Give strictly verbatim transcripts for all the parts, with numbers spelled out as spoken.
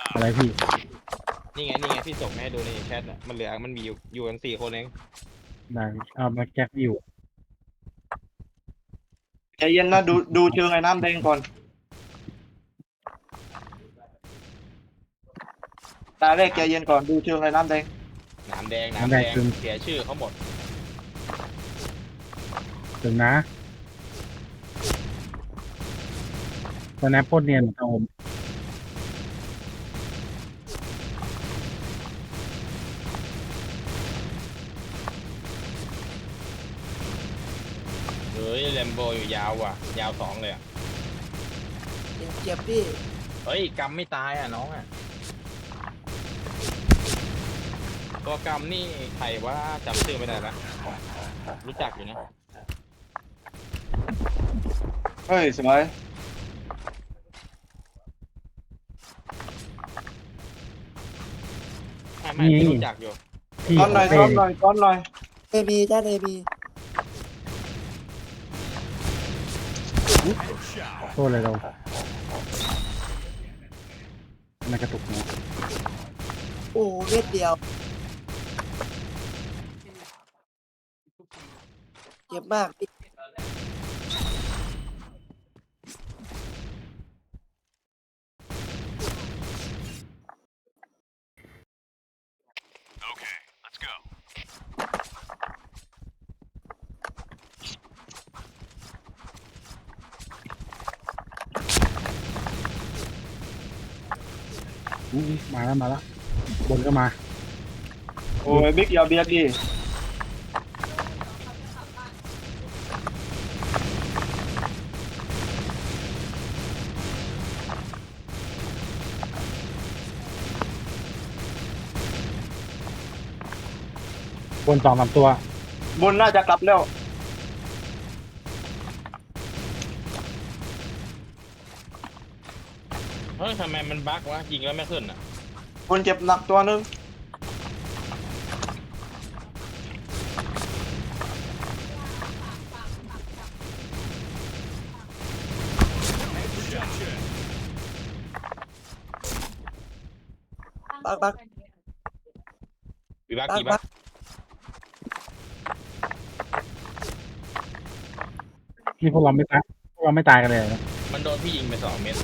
อะไรพี่นี่ไงนี่ไงพี่ส่งมาให้ดูในแชทน่ะมันเหลือมันมีอยู่อยู่กันสี่คนเองได้เอามาแจ็คอยู่ใจเย็นนะดูดูเชิงไอ้น้ำแดงก่อนตาแรกใจเย็นก่อนดูเชิงไอ้น้ำแดงหนามแดงหนามแดงเสียชื่อเขาหมดถึงนะตอนนี้โคตรเนียนครับผมเฮ้ยแลมโบอยู่ยาวว่ะยาวสองเลยอ่ะเจ็บเจ็บพี่เฮ้ยกำไม่ตายอ่ะน้องอ่ะตัวกำนี่ใครว่าจำชื่อไม่ได้ละรู้จักอยู่นะเฮ้ยสวยไม่ไม่พี่รู้จักอยู่พี่ก้อนหน่อยเต้ก้อนหน่อยก้อนหน่อยเอบีจ้าเอบีโทษเลยเราไม่กระตุกเนาะโอ้เม็ดเดียวเจ็บมากพี่อุ๊ยมาแล้วมาแล้วบนก็มาโอ้ยบิ๊กอย่าเบียดดิบนสองสามตัวบนน่าจะกลับแล้วเฮ้ยทำไมมันบั๊กวะยิงแล้วไม่ขึ้นอ่ะบนเจ็บหนักตัวนึงบักบักวิบักบักกี่บับักกนี่พวกเราไม่ตายพวกเราไม่ตายกันเลยนะมันโดนพี่ยิงไปสองเม็ด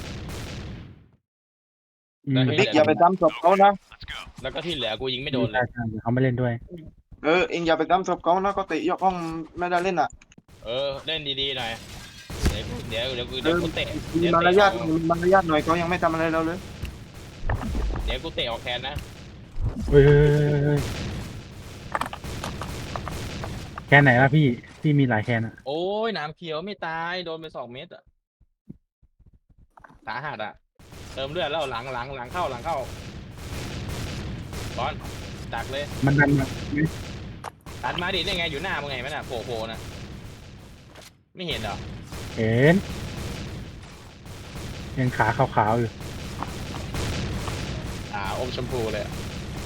อืมแล้วให้บิ๊กอย่าไปจำศพเขานะแล้วก็ที่เหลือกูยิงไม่โดนเลใช่ยใช่เดี๋ยวเขาไม่เล่นด้วยเออเองอย่าไปจำศพเขานะก็เตะยกห้องไม่ได้เล่นอ่ะเออเล่นดีๆหน่อยเดี๋ยวเดี๋ยวเดี๋ยวกูเดี๋ยวกูเตะมีเดี๋ยวมารเตะยาอทอกมีมารยาทหน่อยเขายังไม่ทำอะไรเราเลยเดี๋ยวกูเตะออกแทนนะเฮ้ยเฮ้ยเฮ้ยเฮ้ยแคนไหนล่ะพี่พี่มีหลายแคนอะโอ้ยหนามเขียวไม่ตายโดนไปสองเม็ดอ่ะสาหัสอ่ะเติมเลือดแล้วหลังหลังหลังเข้าหลังเข้าบอลดักเลยมันดันมาตัดมาดิได้ไงอยู่หน้ามึงไงมันอ่ะโผล่โผล่น่ะไม่เห็นเหรอเห็นยังขาขาวๆอยู่อ่าอมชมพูเลยอะ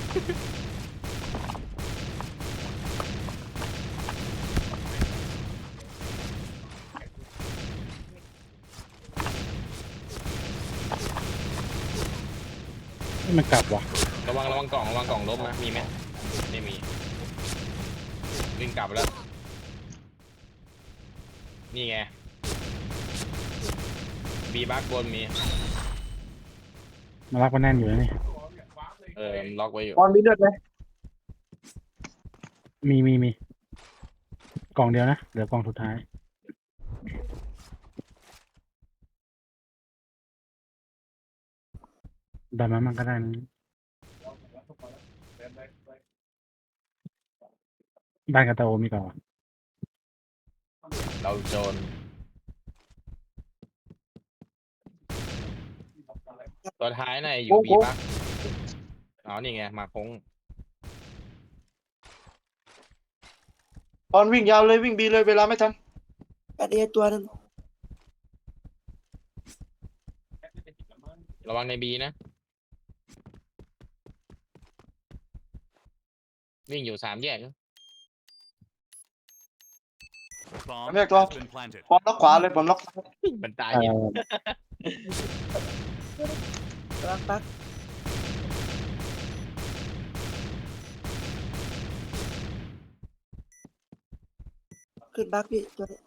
นี่มันกลับว่ะระวังระวังกล่องระวังกล่องล้มนะมีไหมไม่มีวิ่งกลับแล้วนี่ไงบีบักบนมีมารักมันแน่นอยู่นะนี่เออล็อกไว้อยู่บอลมีเลือดไหมมีมีมีกล่องเดียวนะเหลือกล่องสุดท้ายดันมามันก็ได้นะบ้านกระโตมีก่อนเราโจรตัวท้ายน่ะอยู่บีบักอ๋อนี่ไงมาคงบอลวิ่งยาวเลยวิ่งบีเลยเวลาไม่ทันแปดเอตัวนึงระวังในบีนะวิ่งอยู่สามแยกนะเรียกตัวบอลล็อกขวาเลยบอลล็อกซ้ายมันตายเอ่เห็นอบักบักขึ้นบักพี่ตัวนี้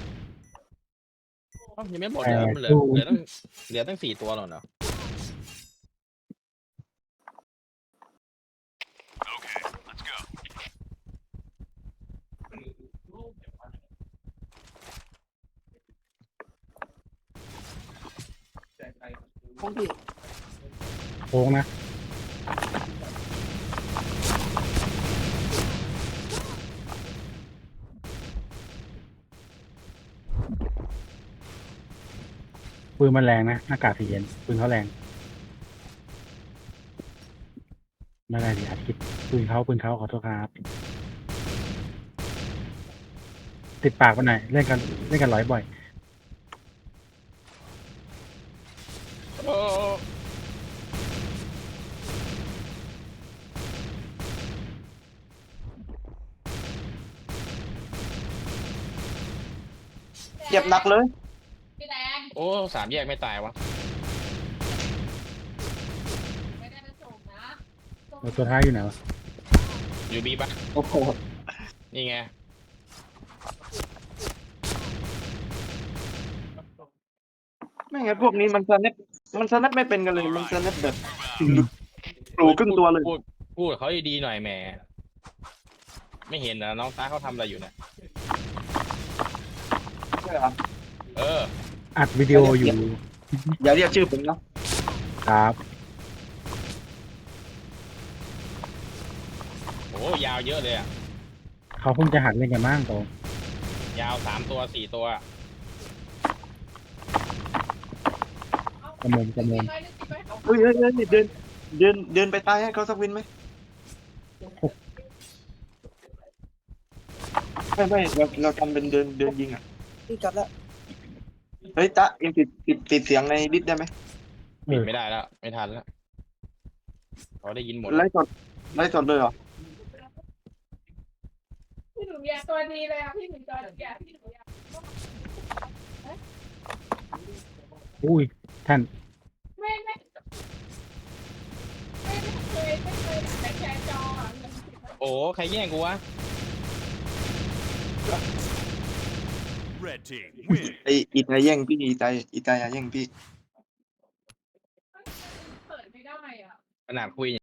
อ้าวยังไม่หมดเหรอมันเหลือเหลือตั้งเหลือตั้งสี่ตัวหรอเนาะของพี่โค้งนะปืนมันแรงนะหน้ากากสีเย็นปืนเขาแรงไม่ได้ดิอาทิตย์ปืนเขาปืนเขาขอโทษครับติดปากไปหน่อยเล่นกันเล่นกันร้อยบ่อยโอ้เจ็บหนักเลยพี่แดงโอ้สามแยกไม่ตายวะไม่ได้ไปส่งนะแล้วตัวท้ายอยู่ไหนวะอยู่บีปะโอ้โหนี่ไงไม่งั้นพวกนี้มันสแนปมันสแนปไม่เป็นกันเลยมันสแนปแบบหลูครึ่งตัวเลยพูดพูดกับเขาดีๆหน่อยแหมไม่เห็นนะน้องตาเขาทำอะไรอยู่เนี่ยใช่เหรอเอออัดวิดีโออยู่อย่าเรียกชื่อผมนะครับโอ้ยาวเยอะเลยอ่ะเขาเพิ่งจะหัดเล่นกันบ้างโตยาวสามตัวสี่ตัวกระมมกระมมไม่ได้ติดไว้เขาเฮ้ยเฮ้ยเฮ้ยเดินเดินเดินไปตายให้เขาสักวินไหมไม่ไม่เราเราทำเป็นเดินเดินยิงอ่ะพี่กลับแล้วเฮ้ยตะเอ็งปิดปิดปิดเสียงในดิสได้ไหมเอปิดอไม่ได้แล้วไม่ทันแล้วเขาได้ยินหมดไลฟ์สดไลฟ์สดเลยเหรอพี่หนูอยากตัวดีเลยอ่ะพี่หนูตัวอยากพี่หนูอยากอุ้ยท่านไม่ไม่ไม่ไม่เคยไม่เคยแต่แชร์จออ่ะโอ้ใครแย่งกูวะ Red team win. ไออีตาแย่งพี่อีตาอีตาแย่งพี่เปิดไม่ได้อ่ะขนาดคุย